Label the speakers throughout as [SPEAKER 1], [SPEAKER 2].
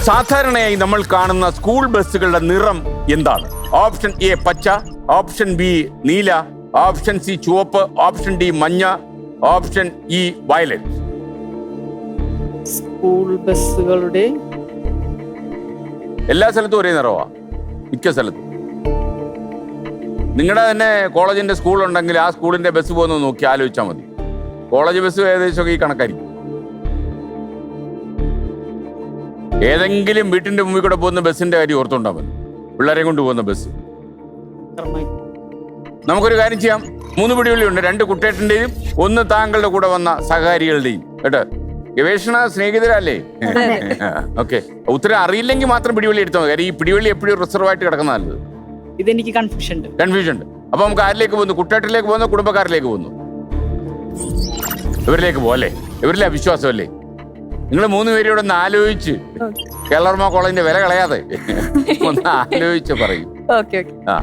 [SPEAKER 1] സാധാരണയായി നമ്മൾ കാണുന്ന സ്കൂൾ ബസ്സുകളുടെ നിറം എന്താണ്? ഓപ്ഷൻ എ പച്ച, ഓപ്ഷൻ ബി നീല, ഓപ്ഷൻ സി ചുവപ്പ്, ഓപ്ഷൻ ഡി മഞ്ഞ, ഓപ്ഷൻ ഇ വയലറ്റ്.
[SPEAKER 2] സ്കൂൾ ബസ്സുകളുടെ
[SPEAKER 1] എല്ലാ സ്ഥലത്തും ഒരേ നിറവാ, മിക്ക സ്ഥലത്തും. നിങ്ങളുടെ തന്നെ കോളേജിന്റെ സ്കൂൾ ഉണ്ടെങ്കിൽ ആ സ്കൂളിന്റെ ബസ് പോകുന്നത് നോക്കി ആലോചിച്ചാൽ മതി. കോളേജ് ബസ് ഏകദേശം ഈ കണക്കായിരിക്കും. ഏതെങ്കിലും വീട്ടിന്റെ മുമ്പിൽ കൂടെ പോകുന്ന ബസ്സിന്റെ കാര്യം ഓർത്തുണ്ടാ മതി, പിള്ളേരെ കൊണ്ട് പോകുന്ന ബസ്. നമുക്കൊരു കാര്യം ചെയ്യാം, 3 പിടിവള്ളിയുണ്ട്, 2 കുട്ടേട്ടന്റെയും 1 താങ്കളുടെ കൂടെ വന്ന സഹകാരികളുടെയും. കേട്ടോ, ഗവേഷണ സ്നേഹിതരല്ലേ? ഓക്കെ, ഉത്തരം അറിയില്ലെങ്കിൽ മാത്രം പിടിവള്ളി എടുത്താൽ മതി. ഈ പിടിവള്ളി എപ്പോഴും റിസർവ് ആയിട്ട് കിടക്കുന്ന നല്ലത്.
[SPEAKER 2] ഇതെനിക്ക് കൺഫ്യൂഷൻ ഉണ്ട്. അപ്പൊ നമുക്ക് ആരിലേക്ക് പോകുന്നു? കുട്ടേട്ടിലേക്ക് പോകുന്നു, കുടുംബക്കാരിലേക്ക് പോകുന്നു? ഇവരിലേക്ക് പോകല്ലേ? ഇവരിലെ വിശ്വാസമല്ലേ? നിങ്ങൾ 3 പേരും ഒന്ന് ആലോചിച്ച്, കേരള കോളേജിന്റെ വില കളയാതെ ഒന്ന് ആലോചിച്ച് പറയും. ആ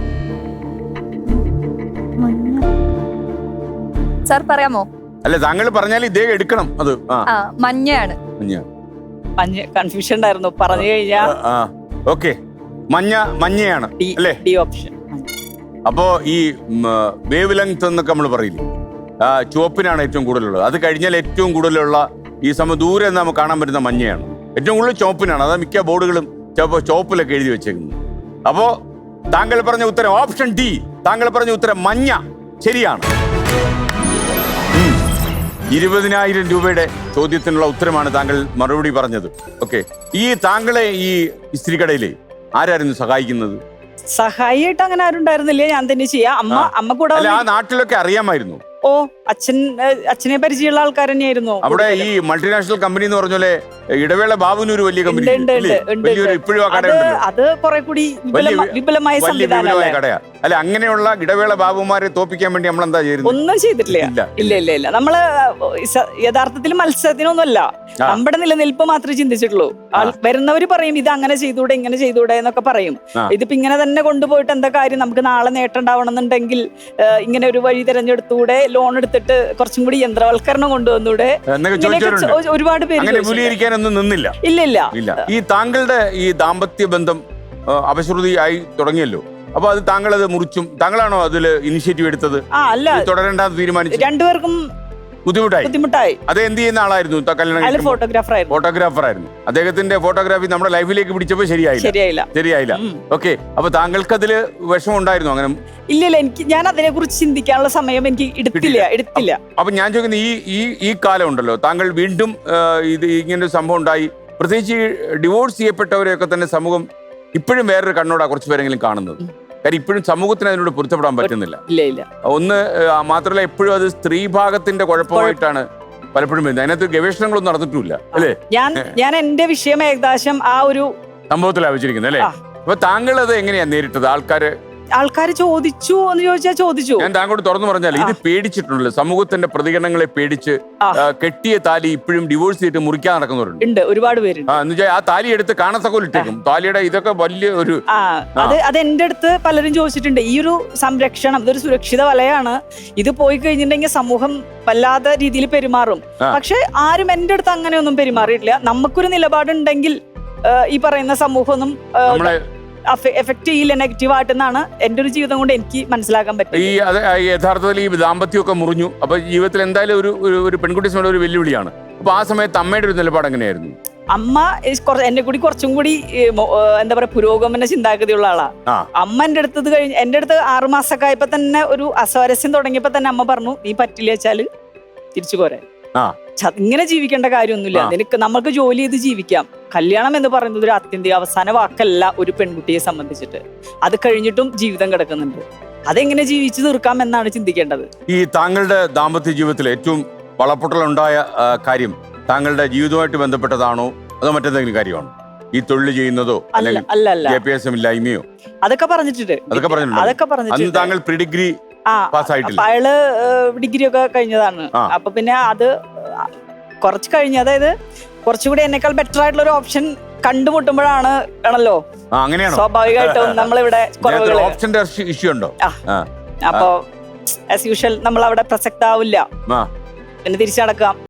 [SPEAKER 3] സാർ പറയാമോ?
[SPEAKER 1] അല്ല, താങ്കൾ പറഞ്ഞാൽ ഇദ്ദേഹം എടുക്കണം. അത്
[SPEAKER 3] മഞ്ഞയാണ്.
[SPEAKER 2] കൺഫ്യൂഷൻ ഉണ്ടായിരുന്നു പറഞ്ഞു കഴിഞ്ഞാ.
[SPEAKER 1] ഓക്കെ, മഞ്ഞയാണ് അല്ലേ?
[SPEAKER 2] D option.
[SPEAKER 1] അപ്പോ ഈ വേവ് ലെങ്ത് എന്നൊക്കെ നമ്മൾ പറയില്ലേ, ചുവപ്പിനാണ് ഏറ്റവും കൂടുതലുള്ളത്. അത് കഴിഞ്ഞാൽ ഏറ്റവും കൂടുതലുള്ള ഈ ദൂരെ നമുക്ക് കാണാൻ പറ്റുന്ന മഞ്ഞയാണ്. ഏറ്റവും കൂടുതൽ ചുവപ്പിനാണ്. അതാ മിക്ക ബോർഡുകളും ചുവപ്പിലൊക്കെ എഴുതി വെച്ചേക്കുന്നത്. അപ്പോ താങ്കൾ പറഞ്ഞ ഉത്തരം ഓപ്ഷൻ ഡി. താങ്കൾ പറഞ്ഞ ഉത്തരം മഞ്ഞ ശരിയാണ്. 20,000 രൂപയുടെ ചോദ്യത്തിനുള്ള ഉത്തരമാണ് താങ്കൾ മറുപടി പറഞ്ഞത്. ഓക്കെ, ഈ താങ്കളെ ഈ ഇസ്ത്രീക്കടയിലെ ആരായിരുന്നു സഹായിക്കുന്നത്?
[SPEAKER 2] സഹായിയായിട്ട് അങ്ങനെ ആരും ഉണ്ടായിരുന്നില്ല, ഞാൻ തന്നെ ചെയ്യാം. അമ്മ കൂടെ.
[SPEAKER 1] ആ നാട്ടിലൊക്കെ അറിയാമായിരുന്നു?
[SPEAKER 2] ഓ, അച്ഛനെ പരിചയമുള്ള ആൾക്കാർ തന്നെയായിരുന്നു
[SPEAKER 1] അവിടെ. ഈ മൾട്ടിനാഷണൽ കമ്പനി എന്ന് പറഞ്ഞ ഇടവേള ബാബുവിന് ഒരു വലിയ കമ്പനി ഇപ്പോഴും ആ കട
[SPEAKER 2] അത് കുറെ കൂടി വിപുലമായ
[SPEAKER 1] കടയാ. അല്ല, അങ്ങനെയുള്ള ഇടവേള ബാബുമാരെ തോപ്പിക്കാൻ വേണ്ടി നമ്മൾ എന്താ ചെയ്യുന്നത്?
[SPEAKER 2] ഒന്നും ചെയ്തിട്ടില്ല. ഇല്ല. നമ്മള് യഥാർത്ഥത്തിൽ മത്സരത്തിനൊന്നുമല്ല, നമ്മുടെ നിലനിൽപ്പ് മാത്രമേ ചിന്തിച്ചിട്ടുള്ളൂ. വരുന്നവര് പറയും ഇത് അങ്ങനെ ചെയ്തൂടെ, ഇങ്ങനെ ചെയ്തൂടെ എന്നൊക്കെ പറയും. ഇതിപ്പോ ഇങ്ങനെ തന്നെ കൊണ്ടുപോയിട്ട് എന്താ കാര്യം? നമുക്ക് നാളെ നേട്ടം ഉണ്ടാവണം എന്നുണ്ടെങ്കിൽ ഇങ്ങനെ ഒരു വഴി തിരഞ്ഞെടുത്തൂടെ, ലോൺ എടുത്തിട്ട് കുറച്ചും കൂടി യന്ത്രവൽക്കരണം കൊണ്ടുവന്നൂടെ, ഒരുപാട് പേര്
[SPEAKER 1] നിന്നില്ല.
[SPEAKER 2] ഇല്ല.
[SPEAKER 1] ഈ താങ്കളുടെ ഈ ദാമ്പത്യ ബന്ധം അപശ്രുതിയായി തുടങ്ങിയല്ലോ. അപ്പൊ അത് താങ്കൾ അത് മുറിച്ചും, താങ്കളാണോ അതില് ഇനിഷ്യേറ്റീവ് എടുത്തത്?
[SPEAKER 2] അല്ല,
[SPEAKER 1] തുടരണ്ടെന്ന് തീരുമാനിച്ചു.
[SPEAKER 2] രണ്ടുപേർക്കും ബുദ്ധിമുട്ടായി.
[SPEAKER 1] അത് എന്ത് ചെയ്യുന്ന ആളായിരുന്നു? ഫോട്ടോഗ്രാഫർ ആയിരുന്നു. അദ്ദേഹത്തിന്റെ ഫോട്ടോഗ്രാഫി നമ്മുടെ ലൈഫിലേക്ക് പിടിച്ചപ്പോ ശരിയായില്ല. ഓക്കെ, അപ്പൊ താങ്കൾക്ക് അതില് വിഷമം ഉണ്ടായിരുന്നു? അങ്ങനെ
[SPEAKER 2] ഇല്ല, ഞാൻ അതിനെ കുറിച്ച് ചിന്തിക്കാനുള്ള സമയം എനിക്ക് എടുത്തില്ല.
[SPEAKER 1] അപ്പൊ ഞാൻ ചോദിക്കുന്നത്, ഈ കാലം ഉണ്ടല്ലോ, താങ്കൾ വീണ്ടും ഇത് ഇങ്ങനൊരു സംഭവം ഉണ്ടായി, പ്രത്യേകിച്ച് ഡിവോഴ്സ് ചെയ്യപ്പെട്ടവരെയൊക്കെ തന്നെ സമൂഹം ഇപ്പോഴും വേറൊരു കണ്ണോടാ കുറച്ച് പേരെങ്കിലും കാണുന്നത്. കാര്യം ഇപ്പോഴും സമൂഹത്തിന് അതിനോട് പൊരുത്തപ്പെടാൻ പറ്റുന്നില്ല. ഒന്ന് മാത്രമല്ല, എപ്പോഴും അത് സ്ത്രീ ഭാഗത്തിന്റെ കുഴപ്പമായിട്ടാണ് പലപ്പോഴും വരുന്നത്. അതിനകത്ത് ഗവേഷണങ്ങളൊന്നും നടന്നിട്ടില്ല അല്ലേ?
[SPEAKER 2] ഞാൻ എന്റെ വിഷയം ഏകദേശം ആ ഒരു
[SPEAKER 1] സംഭവത്തിലാണ് വെച്ചിരിക്കുന്നത് അല്ലേ? അപ്പൊ താങ്കൾ അത് എങ്ങനെയാ നേരിട്ടത്?
[SPEAKER 2] ആൾക്കാർ ചോദിച്ചു എന്ന് ചോദിച്ചാൽ ചോദിച്ചു.
[SPEAKER 1] ഞാൻ താങ്കളോട് തുറന്നു പറഞ്ഞാൽ, ഇത് പേടിച്ചിട്ടുണ്ടല്ലോ, സമൂഹത്തിന്റെ പ്രതികരണങ്ങളെ പേടിച്ച് കെട്ടിയ താലി ഇപ്പോഴും ഡിവോഴ്സ് ചെയ്തിട്ട് മുറിക്കാൻ നടക്കുന്നവരുണ്ട്.
[SPEAKER 2] ഒരുപാട് പേരുണ്ട്.
[SPEAKER 1] ആ താലി എടുത്ത് കാണത്തക്കോലിട്ടേക്കും. താലിയുടെ ഇതൊക്കെ വലിയ ഒരു
[SPEAKER 2] അത് എന്റെ അടുത്ത് പലരും ചോദിച്ചിട്ടുണ്ട്. ഈ ഒരു സംരക്ഷണം, ഇതൊരു സുരക്ഷിത വലയാണ്. ഇത് പോയി കഴിഞ്ഞിട്ടുണ്ടെങ്കിൽ സമൂഹം വല്ലാത്ത രീതിയിൽ പെരുമാറും. പക്ഷെ ആരും എന്റെ അടുത്ത് അങ്ങനെയൊന്നും പെരുമാറിയിട്ടില്ല. നമുക്കൊരു നിലപാടുണ്ടെങ്കിൽ ഈ പറയുന്ന സമൂഹമൊന്നും എഫക്ട് ചെയ്യില്ല നെഗറ്റീവായിട്ടെന്നാണ് എന്റെ ഒരു ജീവിതം കൊണ്ട് എനിക്ക് മനസ്സിലാക്കാൻ പറ്റും.
[SPEAKER 1] യഥാർത്ഥത്തിൽ ഈ ദാമ്പത്യമൊക്കെ മുറിഞ്ഞു. അപ്പൊ ജീവിതത്തിൽ എന്തായാലും ഒരു പെൺകുട്ടി ഒരു വെല്ലുവിളിയാണ്. അപ്പൊ ആ സമയത്ത് അമ്മയുടെ ഒരു നിലപാട് എങ്ങനെയായിരുന്നു?
[SPEAKER 2] അമ്മ എന്നെ കൂടി കുറച്ചും കൂടി എന്താ പറയാ, പുരോഗമന ചിന്താഗതിയുള്ള ആളാ. അമ്മ എന്റെ അടുത്ത് 6 മാസമൊക്കെ ആയപ്പോ തന്നെ ഒരു അസ്വാരസ്യം തുടങ്ങിയപ്പോ തന്നെ അമ്മ പറഞ്ഞു, നീ പറ്റില്ല വെച്ചാല് തിരിച്ചു പോരാൻ. ഇങ്ങനെ ജീവിക്കേണ്ട കാര്യമൊന്നുമില്ല, നമുക്ക് ജോലി ചെയ്ത് ജീവിക്കാം. കല്യാണം എന്ന് പറയുന്നത് ഒരു അത്യന്തിക അവസാന വാക്കല്ല ഒരു പെൺകുട്ടിയെ സംബന്ധിച്ചിട്ട്. അത് കഴിഞ്ഞിട്ടും ജീവിതം കിടക്കുന്നുണ്ട്. അതെങ്ങനെ ജീവിച്ചു തീർക്കാം എന്നാണ് ചിന്തിക്കേണ്ടത്.
[SPEAKER 1] ഈ താങ്കളുടെ ദാമ്പത്യ ജീവിതത്തിൽ ഏറ്റവും വളപ്പൊട്ടലുണ്ടായ കാര്യം താങ്കളുടെ ജീവിതവുമായിട്ട് ബന്ധപ്പെട്ടതാണോ അതോ മറ്റെന്തെങ്കിലും കാര്യമാണോ? ഈ തൊഴിൽ ചെയ്യുന്നതോ
[SPEAKER 2] അല്ല,
[SPEAKER 1] വിദ്യാഭ്യാസം ഇല്ലായ്മയോ?
[SPEAKER 2] അതൊക്കെ പറഞ്ഞിട്ടുണ്ട്.
[SPEAKER 1] താങ്കൾ പ്രീ ഡിഗ്രി
[SPEAKER 2] അയാള് ഡിഗ്രി ഒക്കെ കഴിഞ്ഞതാണ്. അപ്പൊ പിന്നെ അത് കുറച്ച് കഴിഞ്ഞ്, അതായത് കുറച്ചുകൂടി എന്നെക്കാൾ ബെറ്റർ ആയിട്ടുള്ള ഒരു ഓപ്ഷൻ കണ്ടുമുട്ടുമ്പോഴാണ് ആണല്ലോ സ്വാഭാവികമായിട്ടും നമ്മളിവിടെ
[SPEAKER 1] ഓപ്ഷന്റെ ഇഷ്യൂ ഉണ്ടോ?
[SPEAKER 2] അപ്പൊ ആസ് യൂഷ്വൽ നമ്മൾ അവിടെ പ്രസക്താവില്ല, പിന്നെ തിരിച്ചു നടക്കാം.